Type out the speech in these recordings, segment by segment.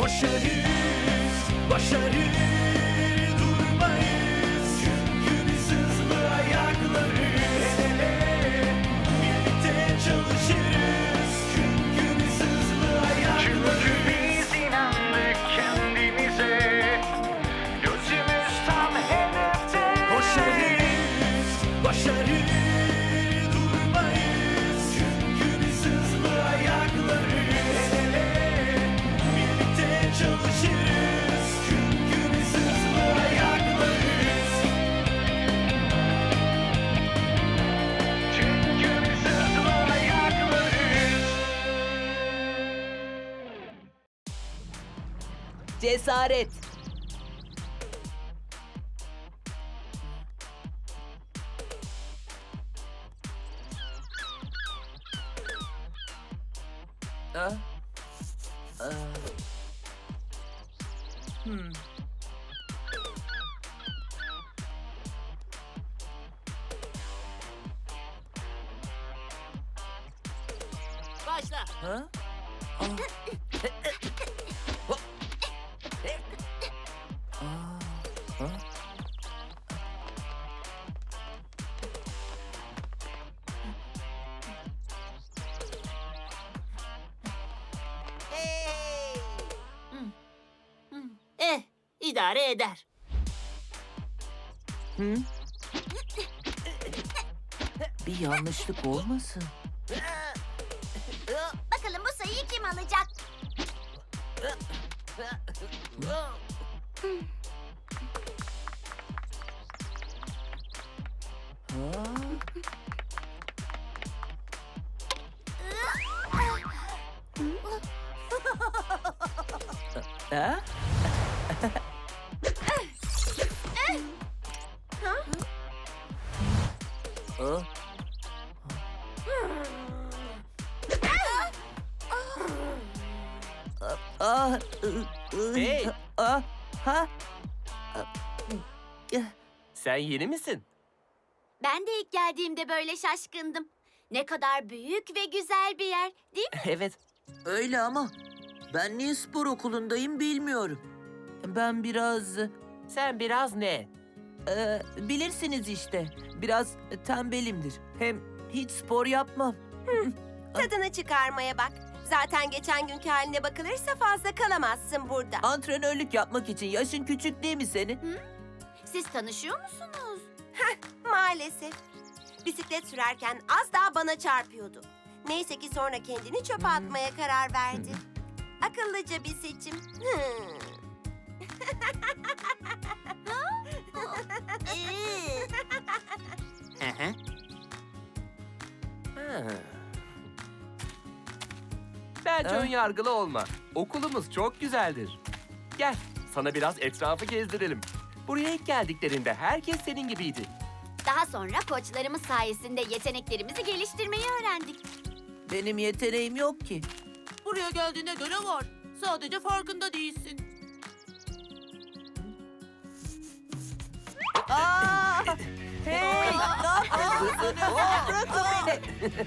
Koşarız, başarır durmayız. Çünkü biz hızlı ayaklarız. El ele, birlikte çalışırız. Çünkü biz hızlı ayaklarız. Çünkü biz inandık kendimize. Gözümüz tam hedefte. Koşarız, başarır durmayız. Çünkü biz hızlı ayaklarız. El ele, birlikte çalışırız. Çünkü biz hızlı ayaklarız. Çünkü biz hızlı ayaklarız. Cesaret. Ah. Ah. Hmm. Başla. Ha? Ah. Ah. Ha? Hey! İdare eder. Hı? Bir yanlışlık olmasın. Bakalım bu sayıyı kim alacak? Ha? Ha? Ah, Hey! ah, ha? Sen yeni misin? Ben de ilk geldiğimde böyle şaşkındım. Ne kadar büyük ve güzel bir yer, değil mi? Evet. Öyle ama ben niye spor okulundayım bilmiyorum. Ben biraz Sen biraz ne? bilirsiniz işte. Biraz tembelimdir. Hem hiç spor yapmam. Tadını çıkarmaya bak. Zaten geçen günkü haline bakılırsa fazla kalamazsın burada. Antrenörlük yapmak için yaşın küçük değil mi senin? Siz tanışıyor musunuz? Maalesef. Bisiklet sürerken az daha bana çarpıyordu. Neyse ki sonra kendini çöpe atmaya karar verdi. Akıllıca bir seçim. Bence Ha? ön yargılı olma. Okulumuz çok güzeldir. Gel, sana biraz etrafı gezdirelim. Buraya ilk geldiklerinde herkes senin gibiydi. Daha sonra koçlarımız sayesinde yeteneklerimizi geliştirmeyi öğrendik. Benim yeteneğim yok ki. Buraya geldiğine göre var. Sadece farkında değilsin. Aa! Hey! Ne yapıyorsunuz? Bırakın beni.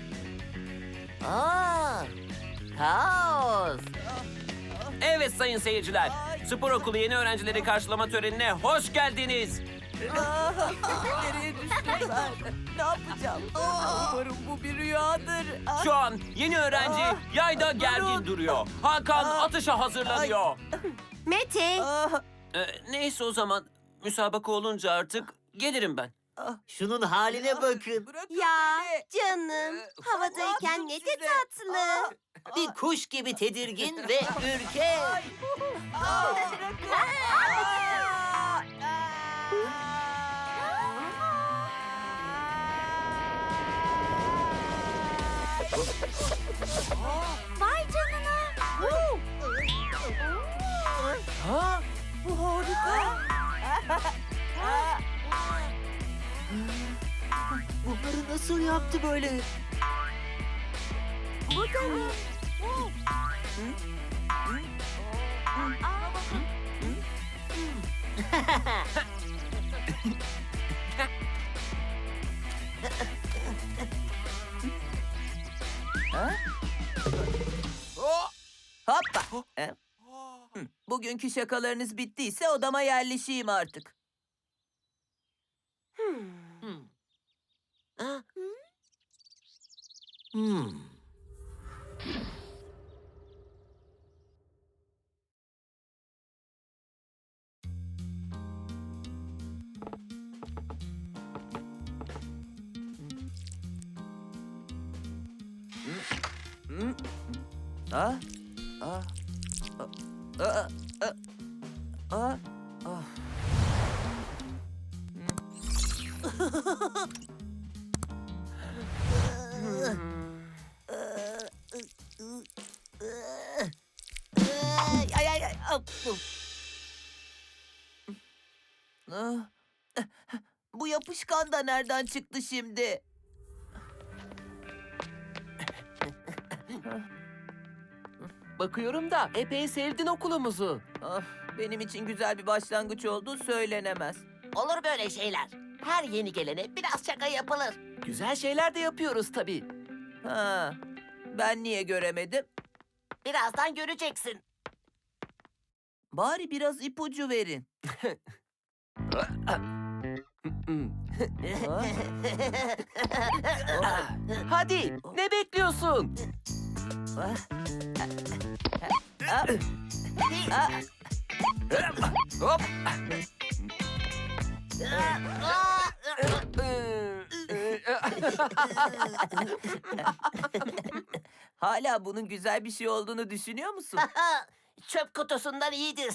Kaos. Evet sayın seyirciler, spor okulu yeni öğrencileri karşılama törenine hoş geldiniz. Nereye düştüm ben? Ne yapacağım? Umarım bu bir rüyadır. Şu an yeni öğrenci yayda gergin duruyor. Hakan atışa hazırlanıyor. Mete, Neyse o zaman, müsabaka olunca artık gelirim ben. Şunun haline bakın. Bırakın ya beni. canım. Havadayken ne de tatlı. Bir kuş gibi tedirgin ve ürkek. Vay canına! Ha? Bu harika. Bunları nasıl yaptı böyle? Bu da ne? Hoppa. Bugünkü şakalarınız bittiyse odama yerleşeyim artık. Ah, ah, ah, ah, ah, ah. Ay ay ay. Ah. Bu yapışkan da nereden çıktı şimdi? Bakıyorum da epey sevdin okulumuzu. Ah, benim için güzel bir başlangıç olduğu söylenemez. Olur böyle şeyler. Her yeni gelene biraz şaka yapılır. Güzel şeyler de yapıyoruz tabii. Ha, ben niye göremedim? Birazdan göreceksin. Bari biraz ipucu verin. Ha? Hadi, ne bekliyorsun? Ah. Ah. Ah. Hop. Hala bunun güzel bir şey olduğunu düşünüyor musun? Çöp kutusundan iyidir.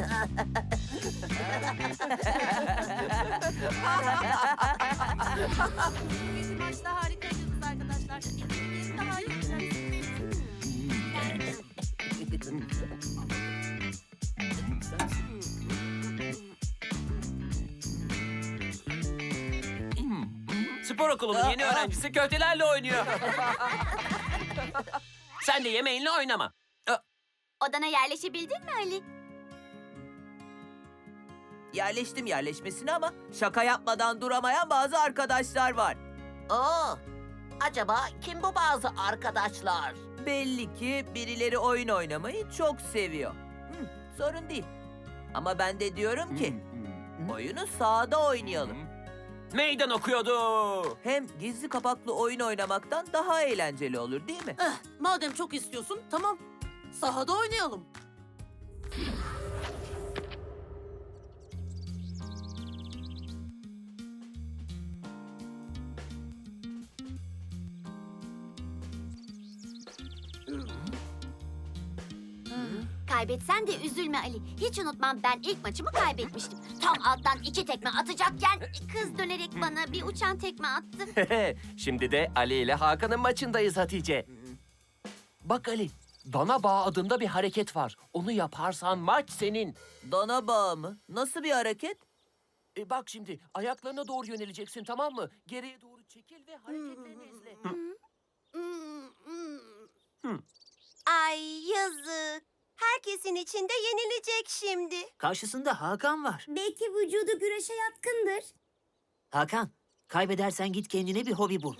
Bugünkü maçta harikaydınız arkadaşlar. İkiniz de harikaydınız. Spor okulunun yeni öğrencisi köftelerle oynuyor. Sen de yemeğinle oynama. Odana yerleşebildin mi Ali? Yerleştim yerleşmesine ama şaka yapmadan duramayan bazı arkadaşlar var. Oo, acaba kim bu bazı arkadaşlar? Belli ki birileri oyun oynamayı çok seviyor. Sorun değil. Ama ben de diyorum ki oyunu sahada oynayalım. Meydan okuyordu. Hem gizli kapaklı oyun oynamaktan daha eğlenceli olur değil mi? Madem çok istiyorsun, tamam. Sahada oynayalım. Kaybetsen de üzülme Ali. Hiç unutmam, ben ilk maçımı kaybetmiştim. Tam alttan 2 tekme atacakken kız dönerek bana bir uçan tekme attı. Şimdi de Ali ile Hakan'ın maçındayız Hatice. Bak Ali, dana bağı adında bir hareket var. Onu yaparsan maç senin. Dana bağı mı? Nasıl bir hareket? Bak şimdi, ayaklarına doğru yöneleceksin, tamam mı? Geriye doğru çekil ve hareketlerini izle. Ay yazık. Herkesin içinde yenilecek şimdi. Karşısında Hakan var. Belki vücudu güreşe yatkındır. Hakan, kaybedersen git kendine bir hobi bul.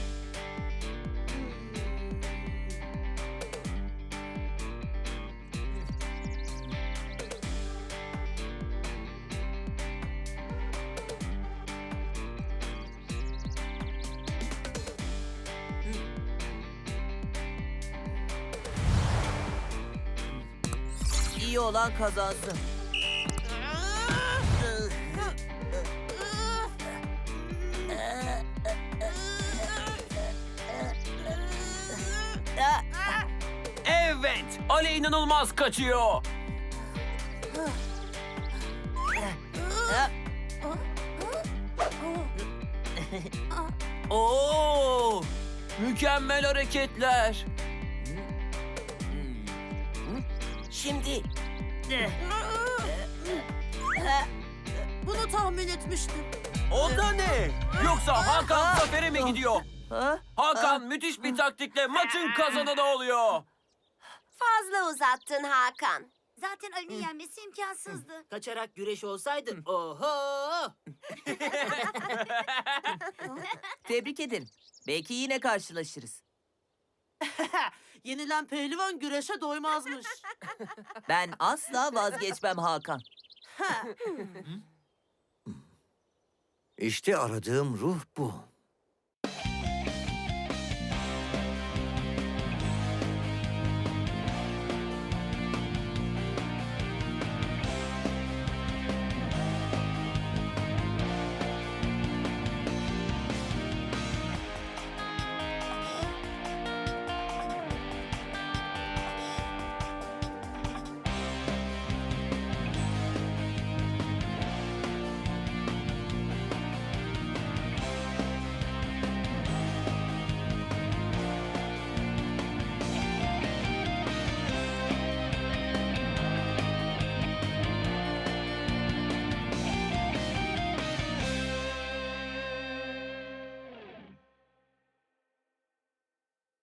İyi olan kazansın. Evet, Ali inanılmaz kaçıyor. Oo! Mükemmel hareketler. Şimdi Bunu tahmin etmiştim. O da ne? Yoksa Hakan zafere mi gidiyor? Ha? Hakan müthiş bir taktikle maçın kazananı oluyor. Fazla uzattın Hakan. Zaten Ali'nin yenmesi imkansızdı. Kaçarak güreş olsaydın, oho! Tebrik ederim. Belki yine karşılaşırız. Yenilen pehlivan güreşe doymazmış. Ben asla vazgeçmem Hakan. İşte aradığım ruh bu.